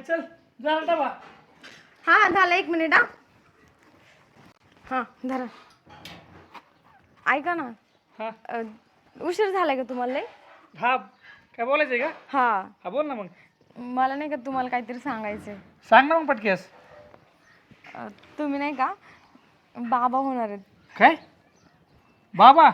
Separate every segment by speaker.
Speaker 1: चल जरा डबा.
Speaker 2: हा झालं 1 मिनिट. हा धरा. ऐका ना.
Speaker 1: हा
Speaker 2: उशीर झालाय का तुम्हाला लय?
Speaker 1: हा काय बोलायचंय का?
Speaker 2: हा
Speaker 1: हा बोल ना मग.
Speaker 2: मला नाही का तुम्हाला काहीतरी सांगायचंय.
Speaker 1: सांग ना मग पटकेस.
Speaker 2: तुम्ही नाही का बाबा होणार आहेत.
Speaker 1: काय बाबा?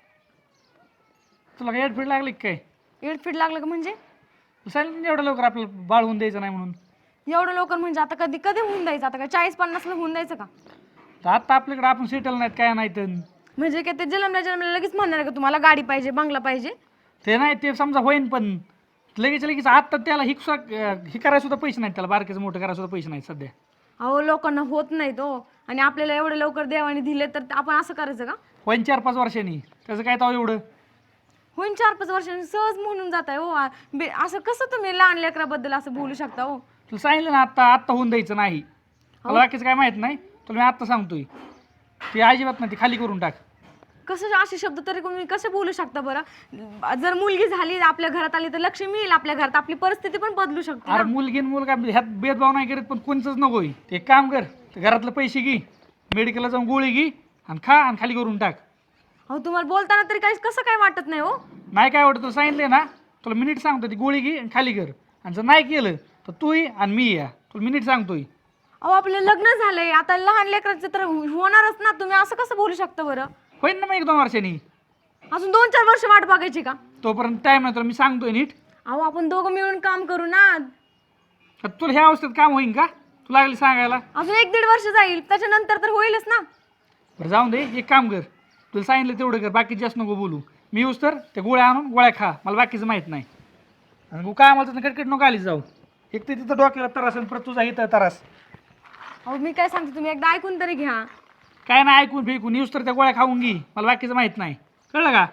Speaker 1: तुला काय एडफीड लागली काय?
Speaker 2: एडफीट लागलं का म्हणजे?
Speaker 1: सांगितलं ना एवढं लवकर आपलं बाळ होऊन द्यायचं नाही म्हणून.
Speaker 2: एवढं लवकर म्हणजे आता कधी कधी होऊन द्यायचं? आता का 40-50 ला होऊन द्यायचं का?
Speaker 1: तर आता आपल्याकडे आपण सेटल नाहीत काय नाही तर
Speaker 2: म्हणजे काय ते जन्मल्या लगेच म्हणणार का तुम्हाला गाडी पाहिजे बंगला पाहिजे?
Speaker 1: ते नाही ते समजा होईन पण लगेच आत्ता त्याला ही करायला सुद्धा पैसे नाहीत, त्याला बारकेचं मोठं करायला सुद्धा पैसे नाहीत सध्या.
Speaker 2: अहो लोकांना होत नाही तो आणि आपल्याला एवढं लवकर देवाने दिले तर आपण असं करायचं का?
Speaker 1: होईन 4-5 वर्षांनी, त्याचं काय ताव एवढं.
Speaker 2: होईन 4-5 वर्षांनी सहज म्हणून जात आहे हो. असं कसं तुम्ही लहान लेकराबद्दल असं बोलू शकता हो?
Speaker 1: तुला सांगितलं ना आत्ता आत्ता होऊन द्यायचं नाही. मला बाकीचं काय माहित नाही, तुला मी आत्ता सांगतोय. ती अजिबात नाही, ती खाली करून टाक.
Speaker 2: कसं असे शब्द तरी तुम्ही कसे बोलू शकता बरं? जर मुलगी झाली आपल्या घरात आली तर लक्ष्मी येईल आपल्या घरात, आपली परिस्थिती पण बदलू शकते
Speaker 1: अरे
Speaker 2: ना.
Speaker 1: मुलगी आणि मुलगा ह्यात भेदभाव नाही करत, पण कोणचंच नकोय. ते एक काम कर, ते घरातले पैसे घे, मेडिकलला जाऊन गोळी घे आणि खा आणि खाली करून टाक.
Speaker 2: अहो तुम्हाला बोलताना तरी काही कसं काय वाटत नाही हो?
Speaker 1: नाही काय वाटतं, तुला सांगितलंय ना, तुला मिनिट सांगतो, ती गोळी घे आणि खाली कर. आणि जर नाही केलं तर तू ये आणि मी या, तुला मिनिट सांगतोय.
Speaker 2: अहो आपलं लग्न झालंय आता, लहान लेकराचं तर होणारच ना. तुम्ही असं कसं बोलू शकता बरं?
Speaker 1: होईन ना मग 1-2 वर्षांनी.
Speaker 2: अजून 2-4 वर्ष वाट बघायची का?
Speaker 1: तोपर्यंत टाईम नाही, तुला मी सांगतोय नीट.
Speaker 2: अहो आपण दोघं मिळून काम करू ना.
Speaker 1: तर तुला ह्या अवस्थेत काम होईन का तुला लागली सांगायला?
Speaker 2: अजून 1-1.5 वर्ष जाईल, त्याच्यानंतर तर होईलच ना.
Speaker 1: बरं जाऊन दे, एक काम कर, तुला सांगितलं तेवढं कर, बाकी जास्त नको बोलू. मी येऊस तर त्या गोळ्या आणून गोळ्या खा, मला बाकीचं माहीत नाही. आणि काय आम्हाला तर कटकट नको आलीच जाऊ. एक तर तिथं डोक्याला त्रास आणि परत तुझा इथं त्रास.
Speaker 2: अहो मी काय सांगते तुम्ही एकदा ऐकून तरी घ्या.
Speaker 1: काय नाही ऐकून फेकून, येऊस तर त्या गोळ्या खाऊन घे, मला बाकीचं माहीत नाही, कळलं का?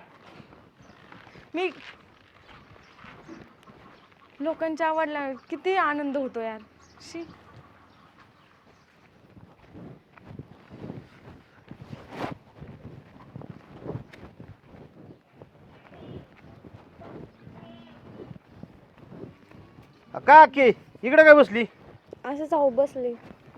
Speaker 2: मी लोकांच्या आवडला किती आनंद होतो यार. शी.
Speaker 3: का की इकडे काय बसली?
Speaker 2: असंच अहो बसले.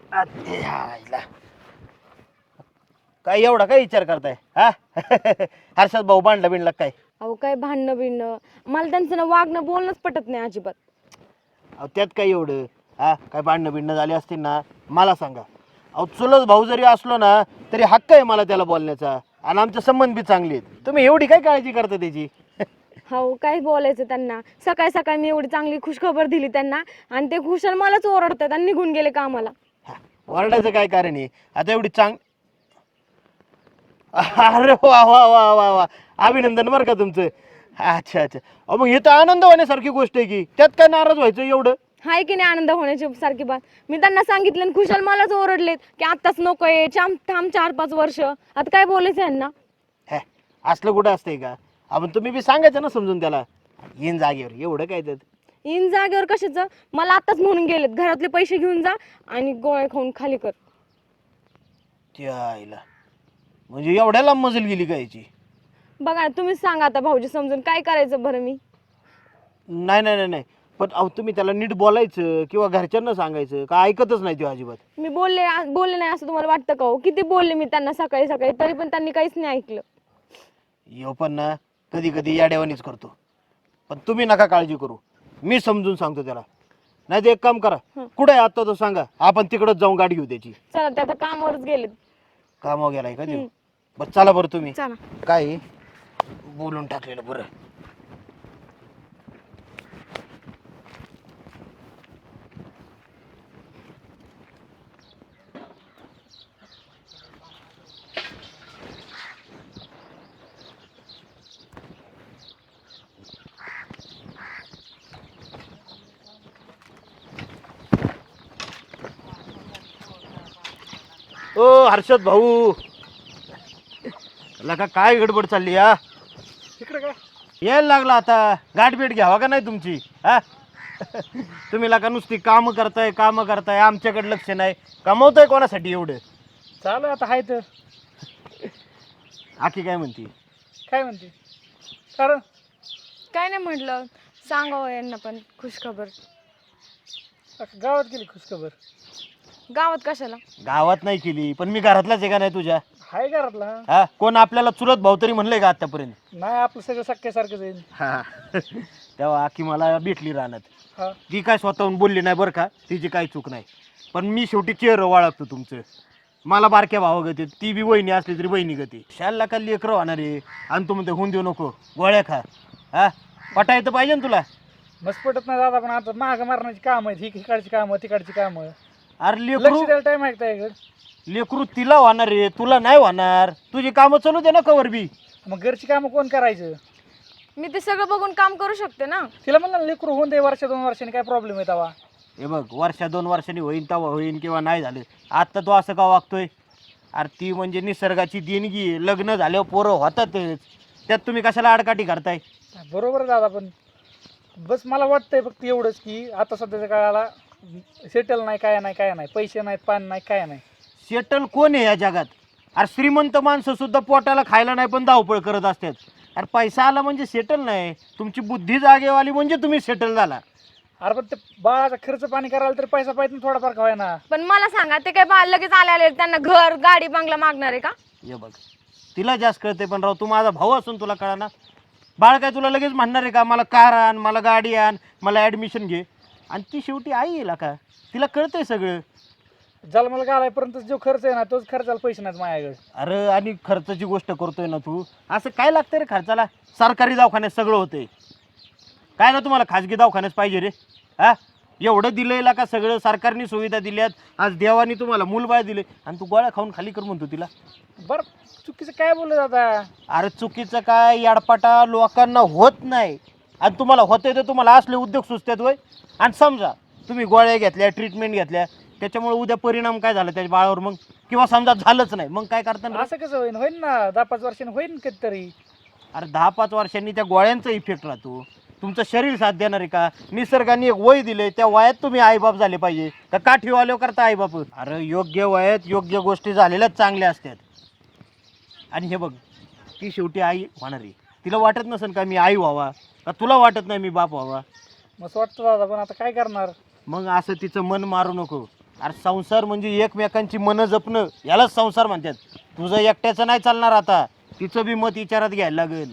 Speaker 3: काय एवढा काय विचार करताय हा? हर्षद भाऊ बांधला बिनला काय?
Speaker 2: अहो काय भांडणं बिणणं, मला त्यांचं ना वागणं बोलणंच पटत नाही अजिबात.
Speaker 3: अहो त्यात काय एवढं हा? काय भांडणं बिंडणं झाली असतील ना मला सांगा. अहो चुलत भाऊ जरी असलो ना तरी हक्क आहे मला त्याला बोलण्याचा, आणि आमचे संबंध बी चांगले आहेत. तुम्ही एवढी काय काळजी करता त्याची?
Speaker 2: हो काय बोलायचं त्यांना. सकाळी सकाळी मी एवढी चांगली खुशखबर दिली त्यांना आणि ते खुशाल मलाच ओरडतात आणि निघून गेले कामाला.
Speaker 3: ओरडायचं काय कारण आहे आता? एवढी अरे वा वा वा वा वा, अभिनंदन बरं का तुमचं. अच्छा अच्छा. अहो मग हे तर आनंद होण्यासारखी गोष्ट आहे की, त्यात काय नाराज व्हायचं एवढं?
Speaker 2: हाय की नाही आनंद होण्याची सारखी बात? मी त्यांना सांगितलं आणि खुशाल मलाच ओरडलेत की आत्ताच नकोय, थांब 4-5 वर्ष. आता काय बोलायचं यांना?
Speaker 3: हे असलं कुठं असतंय का? आपण तुम्ही बी सांगायचं ना समजून त्याला, येईन जागेवर, एवढं काय त्यात?
Speaker 2: इन जागेवर कशाचं? मला आताच म्हणून गेलेत घरातले पैसे घेऊन जा आणि गोळ्या खाऊन खाली कर.
Speaker 3: त्या आईला म्हणजे एवढ्या लांब मजल गेली का याची?
Speaker 2: बघा तुम्हीच सांगा आता भाऊजी समजून, काय करायचं बरं मी?
Speaker 3: नाही नाही नाही नाही, पण अहो तुम्ही त्याला नीट बोलायचं किंवा घरच्यांना सांगायचं का? ऐकतच नाही तो अजिबात.
Speaker 2: मी बोलले नाही असं तुम्हाला वाटतं का हो? किती बोलले मी त्यांना सकाळी सकाळी, तरी पण त्यांनी काहीच नाही ऐकलं.
Speaker 3: यो पण ना कधी कधी याडेवानीच करतो, पण तुम्ही नका काळजी करू, मी समजून सांगतो त्याला. नाही तर एक काम करा, कुठे आहे आता तो सांगा, आपण तिकडच जाऊन गाडी घेऊ त्याची.
Speaker 2: चला ते आता कामावरच गेलेत.
Speaker 3: कामावर गेलाय का देऊ? बस चला बरं तुम्ही.
Speaker 2: चला.
Speaker 3: काय बोलून टाकलेलं बरं. ओ हर्षद भाऊ, लका काय गडबड चालली या?
Speaker 1: तिकडे काय
Speaker 3: यायला लागला आता, गाठभेट घ्यावा का नाही तुमची हा? तुम्ही लका नुसती कामं करताय, आमच्याकडे लक्ष नाही. कमवताय कोणासाठी एवढं?
Speaker 1: चालू आता हाय तर.
Speaker 3: आखी काय म्हणती?
Speaker 1: काय म्हणते कारण?
Speaker 2: काय नाही म्हटलं सांगावं यांना पण खुशखबर.
Speaker 1: गावात गेली खुशखबर.
Speaker 2: गावात कशाला?
Speaker 3: गावात नाही केली पण मी घरातलाच आहे का नाही तुझ्या?
Speaker 1: हाय घरातला.
Speaker 3: हा कोण आपल्याला चुलत भाऊ तरी म्हणलंय का आतापर्यंत?
Speaker 1: नाही आपलं सगळं सख्यासारखं जाईल.
Speaker 3: हा तेव्हा की मला भेटली राहण्यात.
Speaker 1: हा
Speaker 3: ती काय स्वतःहून बोलली नाही बरं का, तिची काही चूक नाही. पण मी शेवटी चेहरं वाळगतो तुमचं. मला बारक्या भावा गती, ती बी वहिनी असली तरी बहिणी गती. शाळेला का लेकरं होणार आहे आणि तू म्हणते होऊन देऊ नको, गोळ्या खा. हा पटायचं पाहिजे ना तुला.
Speaker 1: मस्त पटत नाही दादा, पण आता महाग मारण्याची काम आहेत, ही इकडची कामं तिकडची कामं.
Speaker 3: अरे
Speaker 1: लक्ष
Speaker 3: लेकरू
Speaker 1: द्यायला टाइम आहे का इकडे?
Speaker 3: लेकरू तिला होणार आहे, तुला नाही होणार. तुझी कामं चालू दे ना कवर बी.
Speaker 1: मग घरची कामं कोण करायचं?
Speaker 2: मी ते सगळं बघून काम करू शकते ना.
Speaker 1: तिला म्हणलं ना लेकरू होऊन दे, वर्ष 2 वर्षांनी काय प्रॉब्लेम आहे तेव्हा.
Speaker 3: हे बघ वर्ष 2 वर्षांनी होईन तेव्हा होईन किंवा नाही झालं. आत्ता तू असं का वागतोय? अरे ती म्हणजे निसर्गाची देणगी आहे. लग्न झाल्यावर पोरं होतातच, त्यात तुम्ही कशाला आडकाठी करताय?
Speaker 1: बरोबर आहे दादा, पण बस मला वाटतंय फक्त एवढंच की आता सध्याच्या काळाला सेटल नाही, काय नाही, काय नाही, पैसे नाहीत, पाणी नाही, काय नाही.
Speaker 3: सेटल कोण आहे या जगात? अरे श्रीमंत माणसं सुद्धा पोटाला खायला नाही पण धावपळ करत असतात. अरे पैसा आला म्हणजे सेटल नाही, तुमची बुद्धी जागेवाली म्हणजे तुम्ही सेटल झाला.
Speaker 1: अरे पण ते बाळाचा खर्च पाणी करायला तरी पैसा पाहिजे ना थोडाफार का ना.
Speaker 2: पण मला सांगा, ते काय बाळ लगेच आले त्यांना घर गाडी बंगला मागणार आहे का?
Speaker 3: हे बघ तिला जास्त कळते, पण राव तू माझा भाऊ असून तुला कळा ना. बाळ काय तुला लगेच म्हणणार आहे का मला कार आण, मला गाडी आण, मला ॲडमिशन घे? आणि ती शेवटी आई येईल का, तिला कळतंय सगळं.
Speaker 1: जन्माला घालायपर्यंत जो खर्च आहे ना तोच खर्चाला पैसे नाहीत माझ्याकडे.
Speaker 3: अरे आणि खर्चाची गोष्ट करतोय ना तू, असं काय लागतं रे खर्चाला? सरकारी दवाखान्यात सगळं होतंय, काय ना तुम्हाला खाजगी दवाखान्यात पाहिजे रे? हा एवढं दिलंय का सगळं, सरकारने सुविधा दिल्यात. आज देवानी तुम्हाला मूलबाळ दिले आणि तू गोळ्या खाऊन खाली कर म्हणतो तिला.
Speaker 1: बरं चुकीचं काय बोललं दादा?
Speaker 3: अरे चुकीचं काय, याडपाटा लोकांना होत नाही आणि तुम्हाला होतंय तर तुम्हाला असले उद्योग सुचतात होय. आणि समजा तुम्ही गोळ्या घेतल्या, ट्रीटमेंट घेतल्या, त्याच्यामुळे उद्या परिणाम काय झाला त्याच्या बाळावर मग, किंवा समजा झालंच नाही मग काय करता?
Speaker 1: असं कसं होईन? होईन ना 10-5 वर्षांनी होईन कधीतरी.
Speaker 3: अरे 10-5 वर्षांनी त्या गोळ्यांचा इफेक्ट राहतो. तुमचं शरीर साथ देणार आहे का? निसर्गाने एक वय दिले, त्या वयात तुम्ही आईबाप झाले पाहिजे का काठी वाल्यावर करता आईबाप? अरे योग्य वयात योग्य गोष्टी झालेल्याच चांगल्या असतात. आणि हे बघ ती शेवटी आई होणार आहे, तिला वाटत नसेल का मी आई व्हावा, का तुला वाटत नाही मी बाप व्हावा?
Speaker 1: मग वाटतं दादा, पण आता काय करणार?
Speaker 3: मग असं तिचं मन मारू नको. अरे संसार म्हणजे एकमेकांची मनं जपणं, यालाच संसार म्हणतात. तुझं एकट्याचं नाही चालणार, आता तिचं बी मत विचारात घ्यायला लागेल.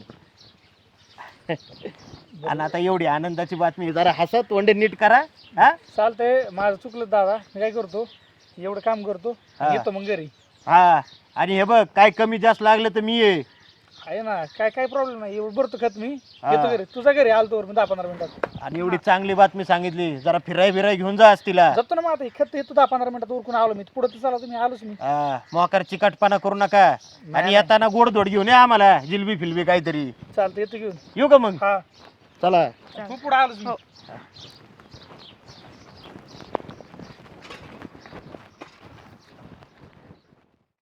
Speaker 3: आणि आता एवढी आनंदाची बातमी, जरा हसत तोंडे नीट करा. हा
Speaker 1: चालतंय, माझं चुकलं दादा. मी काय करतो, एवढं काम करतो,
Speaker 3: हा.
Speaker 1: येतो मग घरी.
Speaker 3: हा आणि हे बघ काय कमी जास्त लागलं तर मी ये.
Speaker 1: आहे ना, काय प्रॉब्लेम नाही. एवढं भरतो खत मी,
Speaker 3: हा.
Speaker 1: येतो घरी. तुझा घरी आलतो मी 10-15 मिनिटात.
Speaker 3: आणि एवढी चांगली बातमी सांगितली, जरा फिराय बिराय घेऊन जा आज तिला.
Speaker 1: जातो ना मग आता. खत येतो 10-15 मिनिटात उरकून आलो मी. पुढे तर चला तुम्ही, आलोच मी.
Speaker 3: हा मोकार चिकटपणा करू नका. आणि येताना गोडधोड घेऊन या आम्हाला, जिलबी फिलबी काहीतरी.
Speaker 1: चालतं, येतो घेऊन.
Speaker 3: येऊ का मग?
Speaker 1: हा
Speaker 3: चला.
Speaker 1: खूप पुढे आलोच मी.
Speaker 2: हो.